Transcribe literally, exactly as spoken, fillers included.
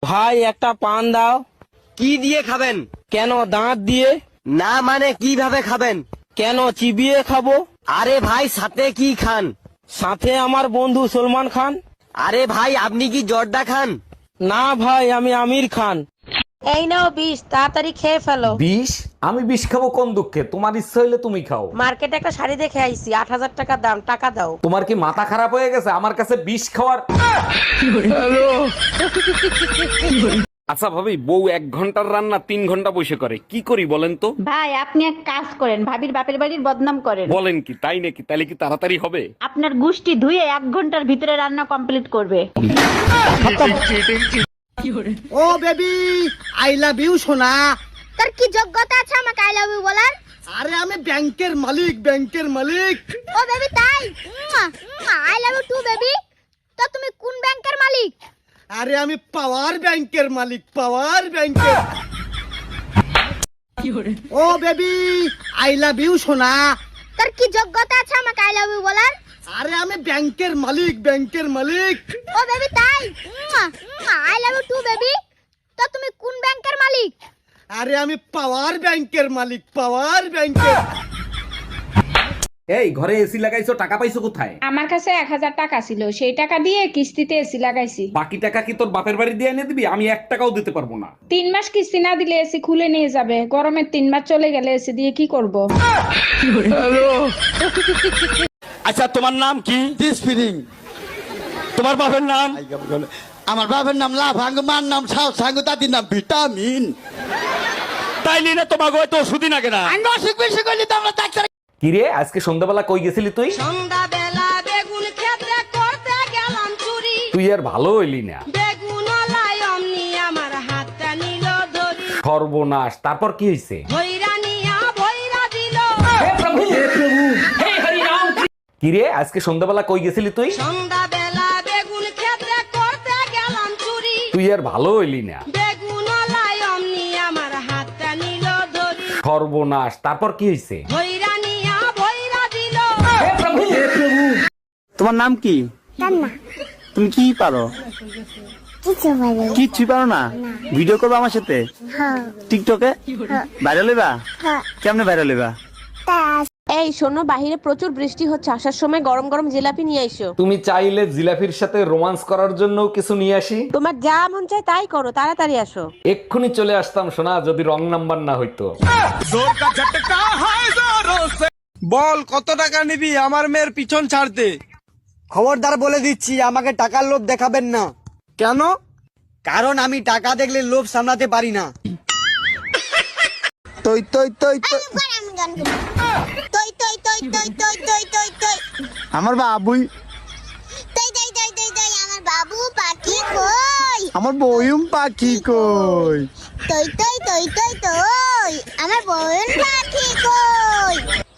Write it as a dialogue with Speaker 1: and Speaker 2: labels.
Speaker 1: ভাই একটা পান দাও।
Speaker 2: কি দিয়ে খাবেন?
Speaker 1: কেন দাঁত দিয়ে?
Speaker 2: না মানে কিভাবে খাবেন?
Speaker 1: কেন চিবিয়ে খাবো।
Speaker 2: আরে ভাই সাথে কি খান?
Speaker 1: সাথে আমার বন্ধু সলমান খান।
Speaker 2: আরে ভাই আপনি কি জর্দা খান?
Speaker 1: না ভাই আমি আমির খান।
Speaker 3: এই নাও বিষ, তাড়াতাড়ি খেয়ে ফেলো।
Speaker 4: বিষ? আমি বিষ খাবো কোন দুঃখে? তোমার ইচ্ছা হইলে তুমি খাও।
Speaker 3: মার্কেটে একটা শাড়ি দেখে আইছি, আট হাজার টাকা দাম, টাকা দাও।
Speaker 4: তোমার কি মাথা খারাপ হয়ে গেছে আমার কাছে বিষ খাওয়ার? আচ্ছা ভাবি, বউ এক ঘন্টার রান্না তিন ঘন্টা বসে করে, কি করি বলেন তো?
Speaker 5: ভাই আপনি এক কাজ করেন, ভাবির বাপের বাড়ির বদনাম করেন।
Speaker 4: বলেন কি, তাই নাকি? তাহলে কি তাড়াতাড়ি হবে?
Speaker 5: আপনার গুষ্টি ধুয়ে এক ঘন্টার ভিতরে রান্না কমপ্লিট করবে।
Speaker 2: ও বেবি আই লাভ ইউ সোনা।
Speaker 6: তোর কি যোগ্যতা আছে আমাকে আই লাভ ইউ বলার?
Speaker 2: আরে আমি ব্যাংকের মালিক, ব্যাংকের মালিক।
Speaker 6: ও বেবি তাই? I love you too baby. তো তুমি কোন ব্যাংকের মালিক?
Speaker 2: আরে আমি পাওয়ার ব্যাংকের মালিক, পাওয়ার ব্যাংকের। ও বেবি আই লাভ ইউ সোনা।
Speaker 6: তোর কি যোগ্যতা আছে আমাকে আই লাভ ইউ বলার?
Speaker 2: আরে আমি ব্যাংকের মালিক, ব্যাংকের মালিক।
Speaker 6: ও বেবি তাই? I love you too baby. তো তুমি কোন ব্যাংকের মালিক?
Speaker 2: আরে আমি পাওয়ার ব্যাংকের মালিক, পাওয়ার ব্যাংকের।
Speaker 4: এই ঘরে এসি লাগাইছো, টাকা পাইছো কোথায়?
Speaker 7: আমার কাছে এক হাজার টাকা ছিল, সেই টাকা দিয়ে কিস্তিতে এসি লাগাইছি।
Speaker 4: বাকি টাকা কি তোর বাপের বাড়ি দিয়ে এনে দিবি? আমি এক টাকাও দিতে পারবো না।
Speaker 7: তিন মাস কিস্তি না দিলে এসি খুলে নিয়ে যাবে। গরমের তিন মাস চলে গেলে এসি দিয়ে কি করব?
Speaker 8: আচ্ছা তোমার নাম কি?
Speaker 2: স্পিরিং।
Speaker 8: তোমার বাপের নাম?
Speaker 9: আমার বাবার নাম লাভাঙ্গ, মার নাম সাউ সাঙ্গ, দাদির নাম ভিটামিন।
Speaker 8: তাইলে না তোমাকে হয়তো ওষুধই না কেনা।
Speaker 9: আমি অসুখ বিসুখ হইলে তো আমরা ডাক্তার।
Speaker 4: কিরে আজকে সন্ধ্যাবেলা কই গেছিলি তুই?
Speaker 3: সন্ধ্যাবেলা বেগুন ক্ষেত্রে করতে গেলাম চুরি।
Speaker 4: তুই আর ভালো হইলি না।
Speaker 3: বেগুন লাই অমনি আমার হাতটা নিল ধরি।
Speaker 4: সর্বনাশ, তারপর কি হয়েছে?
Speaker 3: ভৈরা নিয়া ভৈরা দিল।
Speaker 4: কিরে আজকে সন্ধ্যাবেলা কই গেছিলি তুই?
Speaker 3: সন্ধ্যাবেলা বেগুন ক্ষেত্রে করতে গেলাম চুরি।
Speaker 4: তুই আর ভালো হইলি না।
Speaker 3: বেগুন লাই অমনি আমার হাতটা নিল ধরি।
Speaker 4: সর্বনাশ, তারপর কি হয়েছে?
Speaker 3: ভৈরা নিয়া ভৈরা দিল।
Speaker 2: তোমার নাম কি? তুমি কি পারো?
Speaker 6: কিছু বলে।
Speaker 2: কিচ্ছু পারো না? ভিডিও করবো আমার সাথে টিকটকে? ভাইরাল হইবা? কেমনে ভাইরাল হইবা?
Speaker 3: এই শোনো, বাহিরে প্রচুর বৃষ্টি হচ্ছে, আসার সময় গরম গরম জিলাপি নিয়ে আইসো।
Speaker 4: তুমি চাইলে জিলাফির সাথে রোমান্স করার জন্য কিছু নিয়ে আসি?
Speaker 3: তোমার যা মন চায় তাই করো, তাড়াতাড়ি আসো।
Speaker 4: এক্ষুনি চলে আসতাম সোনা, যদি রং নাম্বার না হইতো।
Speaker 1: বল কত টাকা নিবি আমার মেয়ের পিছন ছাড়তে?
Speaker 2: খবরদার বলে দিচ্ছি, আমাকে টাকার লোভ দেখাবেন না।
Speaker 1: কেন?
Speaker 2: কারণ আমি টাকা দেখলে লোভ সামলাতে পারি না।
Speaker 9: তই তই তই তই।
Speaker 6: আমি গান করি। তই তই তই তই তই তই তই তই।
Speaker 9: আমার বাবুই,
Speaker 6: তই তই তই তই তই আমার বাবু পাখি কই?
Speaker 9: আমার বয়ুম পাখি কই?
Speaker 6: তই তই তই তই তই আমার বোন পাখি কই?